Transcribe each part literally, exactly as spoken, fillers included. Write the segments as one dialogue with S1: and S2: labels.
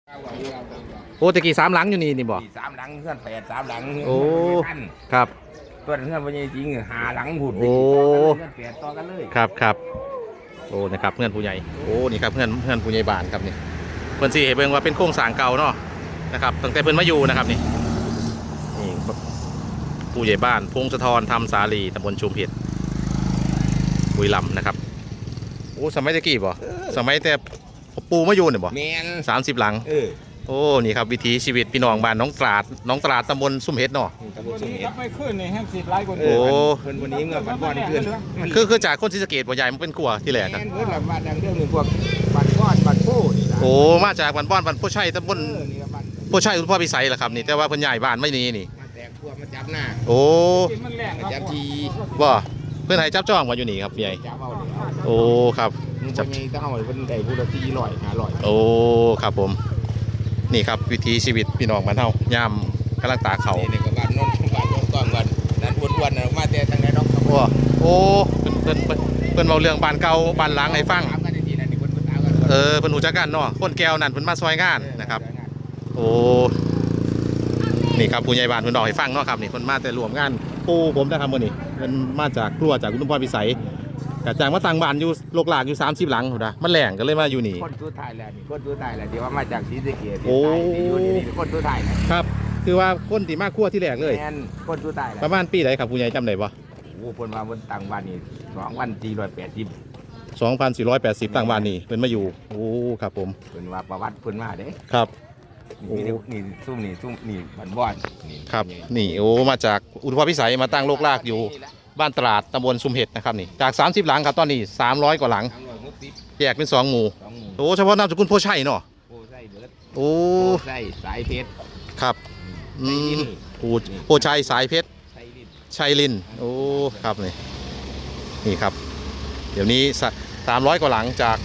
S1: โอ้ตะกี้สามหลังอยู่นี่นี่บ่
S2: สามหลังเพื่อนแปดสามหลัง
S1: โอ้ครับ
S2: ตัวเพื่อนวันนี้จริงหาหลังหุ่น
S1: โอ้
S2: เพื่อนแปดต่อกันเลย
S1: ครับครับโอ้นี่ครับเพื่อนผู้ใหญ่โอ้นี่ครับเพื่อนเพื่อนผู้ใหญ่บ้านครับนี่เพื่อนสี่เห็นเบิ่งว่าเป็นโครงสร้างเก่าเนาะนะครับตั้งแต่เพื่อนมาอยู่นะครับนี่นี่ผู้ใหญ่บ้านพงศธรธรรมสาลีตำบลชุมเห็ดบุรีรัมย์นะครับโอ้สมัยตะกี้บ่สมัยแต่ปูมาอยู่เนี่ยบ่สามสิบหลังโอ้นี่ครับวิถีชีวิตพี่น้องบ้านน้องตราดน้องตราดตำบลซุ่มเห็ดเนาะ
S3: ตำบลซุ่มเห็ดไม่ขึ้นนี่แฮมสิบไร่คน
S1: โอ้
S2: เพื่อนวันนี้เมื่อวันก่อนนี่เพื่อน
S1: คือคือจากคนศรีสะเกษบ่ใหญ่มันเป็นกลัวที่แหลกครับ
S2: เพื่อนบ้านดังเรื่องหนึ่งพวกบ้านก้อนบ้านโพ
S1: โอ้มาจากบ้านบ้านบ้านโพชัยตำบลโพชัยอุทพรพิสัยแหละครับนี่แต่ว่าเพิ่นใหญ่บ้านไม่นี่นี่
S2: มาแตกพวกมาจับหน้า
S1: โอ้
S2: จับที
S1: บ่เพื่อนให้จับจ้องมาอยู่นี่ครับใหญ่โอ้ครับ
S2: จับต้องเอาเพิ่นได้ผู้ละสี่ร้อยห้าร้อย
S1: โอ้ครับผมนี่ครับวิถีชีวิตพี่น้องบ้านเฮายามกำลังตาเขา
S2: นี่ก็บ้านนนท์บ้านนนท์ก้อนบ้านนั้นอ้วนๆมาแต่ทางไหนดอก
S1: โอ้โอ้เพิ่นเพิ่นเพิ่นเว้าเรื่องบ้านเก่าบ้านหลังให้ฟังเออเพิ่นฮู้จักกันเนาะคนแก้วนั่นเพิ่นมาซอยงานนะครับโอ้นี่ครับผู้ใหญ่บ้านเพิ่นบอกให้ฟังเนาะครับนี่เพิ่นมาแต่รวมงานปู่ผมนะครับมื้อนี้เพิ่นมาจากครัวจากอุดมพรพิสัยกะจางมาตั้งบ้านอยู่โลกหลากอยู่สามสิบหลังพุ่นน่ะมันแหลงก็เลยมาอยู่นี่
S2: คนสุดท้ายแล้วนี่คนสุดท้ายแล้วที่ว่ามาจากศรีสะเกษ
S1: โอ้
S2: อยู่นี่คนสุดท้าย
S1: ครับคือว่าคนที่มาครัวที่แรกเลย
S2: แม่นคนสุดท้าย
S1: ประมาณปีไหนครับผู้ใหญ่จำได้บ่
S2: โอ้เพิ่นว่าเพิ่นตั้งบ้านนี่สองพันสี่ร้อยแปดสิบ
S1: สองพันสี่ร้อยแปดสิบตั้งบ้านนี่เพิ่นมาอยู่โอ้ครับผม
S2: เพิ่นว่าประวัติเพิ่นมาเด้
S1: ครับ
S2: โอ้นี่ซุ่มนี่ซุ่มนี่บ้านบ่อน
S1: นี่ครับนี่โอ้มาจากอุทพรพิสัยมาตั้งโลกลากอยู่บ้านตราดตำบลซุมเห็ดนะครับนี่จากสามสิบหลังครับตอนนี้สามร้อยกว่าหลังแยกเป็นสองหมู่โอ้เฉพาะนามสกุลโพชัยเนาะ
S2: โพชัยเบิด
S1: โอ้
S2: โพชัยสายเพชร
S1: ครับอืมโพชัยสายเพชรชัยลินโอ้ครับนี่นี่ครับเดี๋ยวนี้สามร้อยกว่าหลังจาก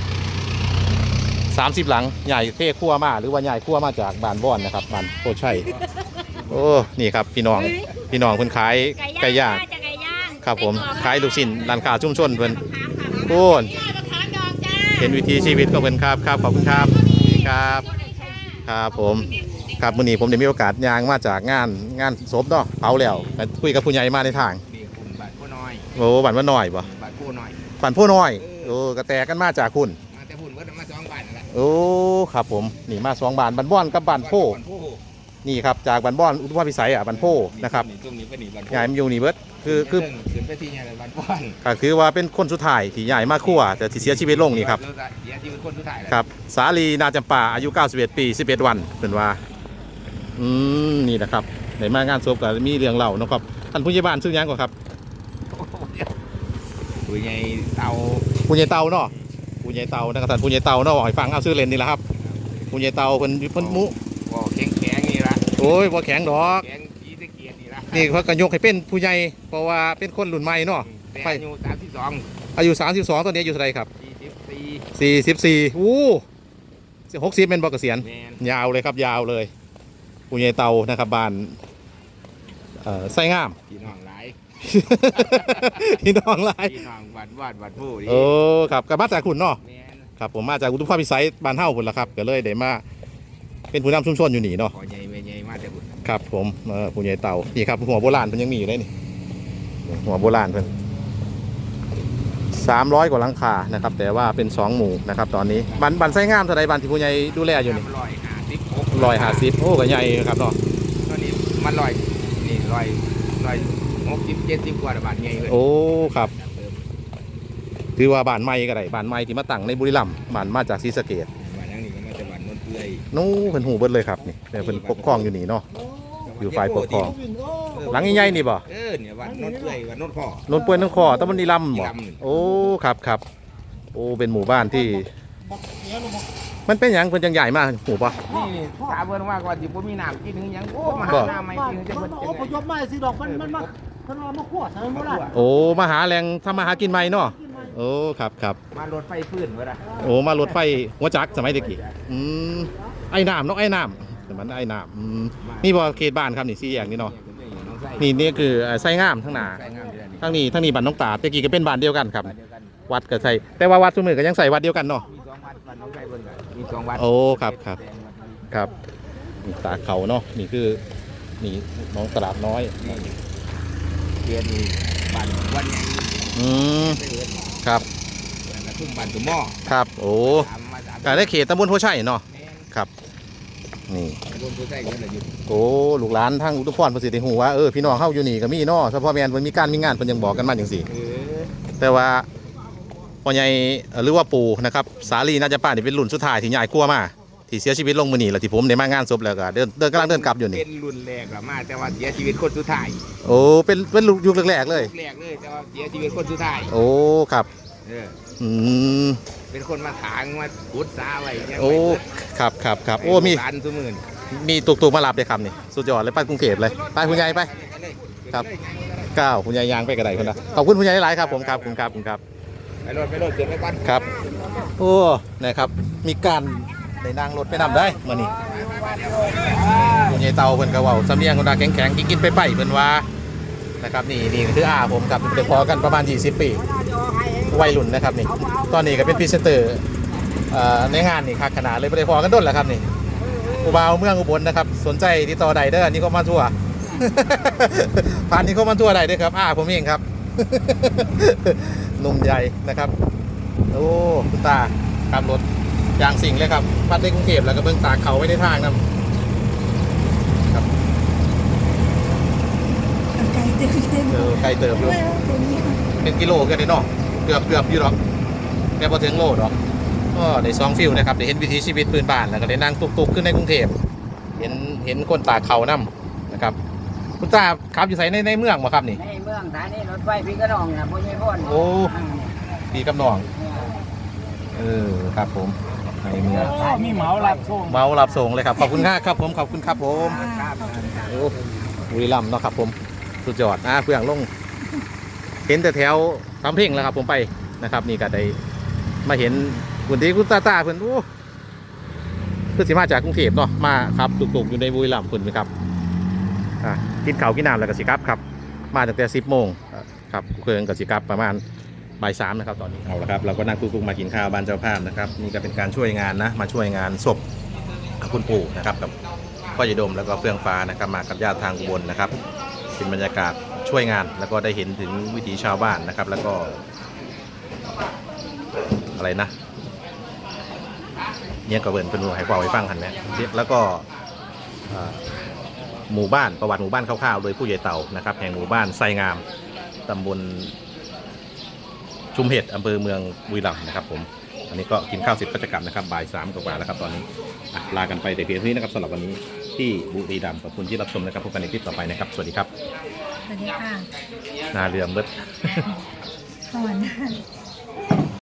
S1: สามสิบหลังใหญ่เท่ขั้วมาหรือว่าใหญ่ขั้วมาจากบ้านบ่อนนะครับบ้านโพชัยโอ้นี่ครับพี่น้องพี่น้องเพิ่นขายไก่ย่างครับผมขายลูกชิ้นร้านค้าชุมชนเพิ่นโอ้เห็นวิถีชีวิตก็เพิ่นครับครับขอบคุณครับครับครับผมครับมื้อนี้ผมได้มีโอกาสย่างมาจากงานงานศพเนาะเผาแล้วคุยกับผู้ใหญ่มาในทาง
S2: บ้านผู้น้อย
S1: โอ้บ้านว่าน้อยบ่
S2: บ้านผู้น้อย
S1: บ้านผู้น้อยโอ้กระแตกันมาจากคุณ
S2: มาแต่พุ่นเบิดมาสองบ้านนั่นแหละ
S1: โอ้ครับผมนี่มาสองบ้านบ้านบ่อนกับบ้านโพนี่ครับจากบ้านบ่อนอุทพรพิสัยอ่ะบ้านโพนะครับใหญ่มาอยู่นี่เบิดคือคือ
S2: ขึ้นไปที่ใหญ่บ้านบ่อน
S1: ก็คือว่าเป็นคนสุดท้ายที่ใหญ่มาคั่วแต่ที่เสียชีวิตลงนี่ครับ
S2: เสียชีวิตคนสุดท้าย
S1: ครับสาลีนาจำปาอายุเก้าสิบเอ็ดปีสิบเอ็ดวันเป็นว่าอืมนี่นะครับในมางานศพก็มีเรื่องเล่านะครับท่านผู้ใหญ่บ้านชื่อยังก่อนครับ
S2: ผู้ใหญ่เตา
S1: ผู้ใหญ่เตาเนาะผู้ใหญ่เตานะครับท่านผู้ใหญ่เตาเนาะบอกให้ฟังเอาชื่อเล่นนี่แหละครับผู้ใหญ่เตาเพิ่นเพิ่นมุ
S2: บ่แข็งแข็งนี่ละ
S1: โอ้ยบ่แข็งดอก
S2: แข็งจีตะเกียรนี่ละ
S1: นี่เขาก็ยกให้เป็นผู้ใหญ่เพราะว่าเป็นคนรุ่นใหม่เนาะ
S2: อายุสามสิบสอง
S1: อายุสามสิบสองตอนนี้อายุเท่าไหร่ครับ
S2: สี่สิบสี่
S1: สี่สิบสี่อู้หกสิบเป็นบ่เกษียณยาวเลยครับยาวเลยผู้ใหญ่เตานะครับบ้านเอ่อไส้งาม
S2: พี่น้องหลาย
S1: พี่น้องหลาย
S2: พี่น้องบ้านวาดบ้านผู้
S1: โอ้ครับก็มาจากคุณเนาะครับผมมาจากอุดมพรพิสัยบ้านเฮ้าคุณละครับก็เลยได้มาเป็นผู้นำชุมชนอยู่นี่เนาะ
S2: ใหญ่ใหญ่มาจาก
S1: ครับผมเออผู้ใหญ่เตานี่ครับหัวโบราณเพิ่นยังมีอยู่เลยนี่หัวโบราณเพิ่นสามร้อยกว่าหลังคานะครับแต่ว่าเป็นสองหมู่นะครับตอนนี้บ้านบ้านไส้งามเท่าไรบ้านที่ผู้ใหญ่ดูแลอยู่นี่
S2: ร้อยห้าสิบ
S1: ร้อยห้าสิบโอ้ก็ใหญ่ครับเนาะ
S2: ตอนนี้มันร้อยนี่ร้อยร้อยหกสิบเจ็ดสิบกว่าบ้านใหญ่เลย
S1: โอ้ครับถือว่าบ้านใหม่ก็ได้บ้านใหม่ที่มาตั้งในบุรีรัมย์บ้านมาจากศรีสะเกษ
S2: บ้านนั้นนี่ก็มาจากบ้านนนท์เปื่อย
S1: นู้เพิ่นหูเบิดเลยครับนี่เพิ่นปกครองอยู่นี่เนาะอยู่ฝ่ายปกครองหลังใหญ่ๆนี่บ่
S2: เออเนี่ยบ้านนนท์เปื่อยบ้านนนท์พ่อน
S1: นท์เปื่อยนนท์พ่อตำบลบุรีรัมย์บ่โอ้ครับครับโอ้เป็นหมู่บ้านที่มันเป็นอย่างเพิ่นจังใหญ่มากหูป่ะ
S2: นี่นี่ถามเพิ่นว่าก่อนสิบ่มีน้ำกินถึงยังโอ้มาหาน้ำใหม่กินจะเพิ่น
S3: โอ้พยพมาสิดอกมันมันมาเพิ่นว่ามาคั่วใส่โบราณ
S1: โอ้มาหาแหล่งทำมาหากินใหม่เนาะโอ้ครับครับ
S2: มารถไฟฟื้นเว้ยล่ะ
S1: โอ้มารถไฟหัวจักรสมัยตะกี้อืมไอ้น้ำเนาะไอ้น้ำแต่มันไอ้น้ำอืมนี่บ่เขตบ้านครับนี่สี่แยกนี่เนาะนี่นี่คือไส้งามทั้งหน้าทั้งนี้ทั้งนี้บ้านน้องตาตะกี้ก็เป็นบ้านเดียวกันครับวัดก็ใส่แต่ว่าวัดซุมื้อก็ยังใส่วัดเดียวกันเนาะ
S2: มีสองวัด
S1: โอ้ครับครับครับนี่ตาเขาเนาะนี่คือนี่น้องตลาดน้อย
S2: เรียนบ้านวันใหญ่
S1: อืม
S2: ไปเอิ้น
S1: ครับ
S2: แล้วก็ทุ่มบ้านตุ่มหม้อ
S1: ครับโอ้
S2: ตามมาตาม
S1: การได้เขตตำบลโพชัยเนาะ
S2: แม่น
S1: ครับนี่
S2: รวมตัวใส่กันเลยอยู่
S1: โอ้ลูกหลานทางอุทุพรประสิทธิหูว่าเออพี่น้องเฮาอยู่นี่ก็มีเนาะเฉพาะแม่นเพิ่นมีการมีงานเพิ่นยังบอกกันมาจังซี่
S2: เออ
S1: แต่ว่าพ่อใหญ่เอ่อหรือว่าปู่นะครับสาลีน่าจะป้านี่เป็นรุ่นสุดท้ายที่ใหญ่กลัวมาที่เสียชีวิตลงมื้อนี้แล้วที่ผมได้มางานศพแล้วก็เดินเดินกำลังเดินกลับอยู่นี่
S2: เป็นรุ่นแรกละมาแต่ว่าเสียชีวิตคนสุดท้าย
S1: โอ้เป็นเป็นยุคแรกๆเลย
S2: ยุคแรกเลยแต่ว่าเสียชีวิตคนสุดท้าย
S1: โอ้ครับ
S2: เออ
S1: อืม
S2: เป็นคนมาถางมาขุดสาไว้ยัง
S1: โอ้ครับครับครับโอ้มี
S2: ร้านสมื่น
S1: มีตุกตุกมารับเลยครับนี่สุดยอดเลยไปกรุงเทพเลยไปคุณยายไปครับก้าวคุณยายยางไปกระไดคนละขอบคุณคุณยายหลายครับผมครับคุณครับคุณครับ
S2: ไปรถไปรถเกินไปก่อน
S1: ครับโอ้นะครับมีการได้นั่งรถไปนำได้เมื่อนี้คุณยายเตาเพิ่นก็เว้าสำเนียงคนตาแข็งๆกินๆไปไปเพิ่นว่านะครับนี่นี่คืออาผมครับเด็กพอกันประมาณยี่สิบปีวัยรุ่นนะครับนี่ตอนนี้ก็เป็นพรีเซนเตอร์เอ่อในงานนี่คักขนาดเลยบ่ได้พอกันด้นแล้วครับนี่อุบาวเมืองอุบลนะครับสนใจติดต่อใดเด้อนี่ก็มาทั่ว ผ่านนี่ก็มาทั่วใดเด้อครับอาผมเองครับ หนุ่มใหญ่นะครับโอ้คุณตาขับรถอย่างสิ่งเลยครับพัดในกรุงเทพแล้วก็เบิ่งตากเขาไว้ในทางนำครับ
S4: ไกลเต็มเต็ม
S1: เออไกลเติบอยู่เป็นกิโลกันเลยเนาะเกือบเกือบอยู่หรอกแต่พอถึงโลดอกก็ได้ซองฟิลนะครับได้เห็นวิถีชีวิตปืนบ้านแล้วก็ได้นั่งตุกๆขึ้นในกรุงเทพเห็นเห็นคนตากเขานำนะครับคุณตาขับอยู่ไสในในเมืองบ่ครับนี่
S3: ในเมืองฐานีรถไฟพี่กระนองน่ะบ่มีพ่น
S1: โอ้ ปีกับน้องเออครับผมในเมือง
S3: มีเหมาหลับส่ง
S1: เมารับส่งเลยครับขอบคุณครับผมขอบคุณครับผม
S4: ครับ
S1: โอ้บุรีรัมย์เนาะครับผมสุดยอดอ่ะเพื่องลงเห็นแต่แถวทำเพ่งแล้วครับผมไปนะครับ นี่ก็ได้มาเห็นคุณที่คุณตาตาเพื่อนโอ้คือสิมาจากกรุงเทพเนาะมาครับตุกๆอยู่ในบุรีรัมย์คุณไหมครับอ่ะกินข้าวกินน้ำแล้วก็สิครับครับ มาตั้งแต่สิบโมงครับเครื่องกับสิครับประมาณบ่ายสามนะครับตอนนี้เอาละครับเราก็นั่งตุกๆมากินข้าวบ้านเจ้าภาพนะครับนี่ก็เป็นการช่วยงานนะมาช่วยงานศพคุณปู่นะครับกับพ่อใหญ่ดมแล้วก็เฟื่องฟ้านะครับมากับญาติทางอุบลนะครับเป็นบรรยากาศช่วยงานแล้วก็ได้เห็นถึงวิถีชาวบ้านนะครับ แล้วก็อะไรนะเนี่ยก็เบิร์นเป็นให้ความไว้ฟังกันนะแล้วก็หมู่บ้านประวัติหมู่บ้านคร่าวๆโดยผู้ใหญ่เต่านะครับแห่งหมู่บ้านไซงามตำบลชุมเห็ดอำเภอเมืองบุรีรัมย์นะครับผมอันนี้ก็กินข้าวเสร็จก็จะกลับนะครับบ่ายสามกว่าๆแล้วครับตอนนี้ลากันไปแต่เพียงเท่านี้นะครับสำหรับวันนี้ที่บุรีรัมย์ขอบคุณที่รับชมนะครับพบกันในคลิปต่อไปนะครับสวัสดีครับ
S4: สวัสดีค่ะ
S1: นาเรือมเบิด
S4: สวัสดี